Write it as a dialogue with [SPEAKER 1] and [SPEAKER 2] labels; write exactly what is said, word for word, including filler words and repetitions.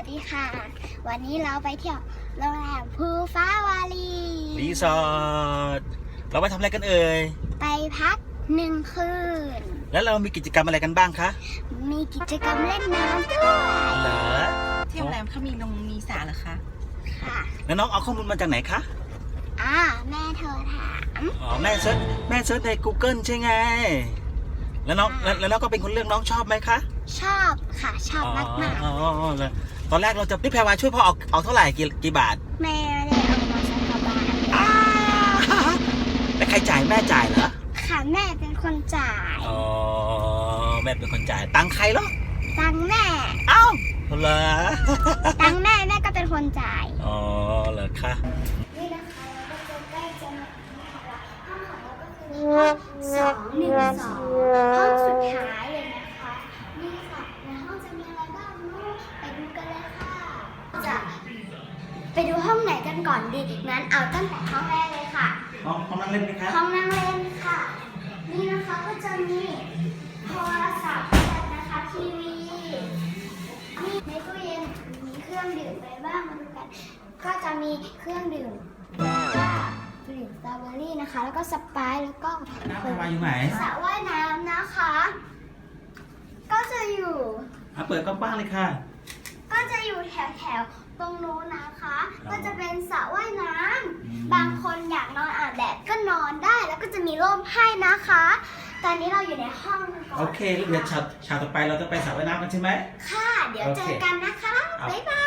[SPEAKER 1] ดีค่ะวันนี้เราไปเที่ยวโรงแรมภูฟ้าวารี
[SPEAKER 2] รีสอร์ทเราไปทำอะไรกันเอ่ย
[SPEAKER 1] ไปพักหนึ่งคืน
[SPEAKER 2] แล้วเรามีกิจกรรมอะไรกันบ้างคะ
[SPEAKER 1] มีกิจกรรมเล่นน้ำด้วย
[SPEAKER 2] เหรอ
[SPEAKER 3] ที่โรงแรมเขามีนงมีสระเหรอคะ
[SPEAKER 1] ค่ะ
[SPEAKER 2] แล้วน้องเอาข้อมูลมาจากไหนคะ
[SPEAKER 1] อ่าแม่เธอถาม
[SPEAKER 2] อ๋อแม่เซิร์ชแม่เซิร์ชใน Google ใช่ไงแล้วน้องแล้วแล้วน้องก็เป็นคนเลือกน้องชอบไหมคะ
[SPEAKER 1] ชอบค่ะชอบมากมาก
[SPEAKER 2] อ๋อแล้วตอนแรกเราจะพี่แพรวาช่วยพ่อเอาเอาเท่าไหร่กี่กี่บาท
[SPEAKER 1] แม่ได้เอามาสักกระบาท
[SPEAKER 2] แล้วใครจ่ายแม่จ่ายเหรอ
[SPEAKER 1] ค่ะแม่เป็นคนจ่าย
[SPEAKER 2] อ๋อแม่เป็นคนจ่ายตังค์ใครเหรอ
[SPEAKER 1] ตังค์แม่
[SPEAKER 2] เอ้าเหรอ
[SPEAKER 1] ตังค์แม่แม่ก็เป็นคนจ่าย
[SPEAKER 2] อ๋อเหรอคะ
[SPEAKER 1] นี่นะคะเราก็จะใกล้จะมาถึงแล้วห้องของเราก็คือห้องสองหนึ่งสองห้องสุดท้ายเลยนะคะนี่ค่ะในห้องจะมีอะไรบ้างลูกไปดูกันเลยค่ะจะไปดูห้องไหนกันก่อนดีงั้นเอาตั้งแต่ห้องแรกเลยค่ะ
[SPEAKER 2] ห้องห้องนั่งเล่นไหมคะ
[SPEAKER 1] ห้องนั่งเล่นค่ะนี่นะคะก็จะมีโทรศัพท์นะคะทีวีนี่ในตู้เย็นมีเครื่องดื่มอะไรบ้างมาดูกันก็จะมีเครื่องดื่มก็ดื่มสตรอเบอรี่นะคะแล้วก็สไปร์แล้วก็
[SPEAKER 2] น้ำมาอยู่ไหน
[SPEAKER 1] สระว่ายน้ำนะคะก็จะอยู่
[SPEAKER 2] อ่ะเปิดกว้างๆเลยค่ะ
[SPEAKER 1] ก็จะอยู่แถวแถวตรงนู้นนะคะก็จะเป็นสระว่ายน้ำบางคนอยากนอนอาบแดดก็นอนได้แล้วก็จะมีร่มให้นะคะตอนนี้เราอยู่ในห้องก่อน
[SPEAKER 2] โอเคเดี๋ยวฉากฉากต่อไปเราจะไปสระว่ายน้ำกันใช่ไหม
[SPEAKER 1] ค่ะเดี๋ยวเจอกันนะคะบ๊ายบาย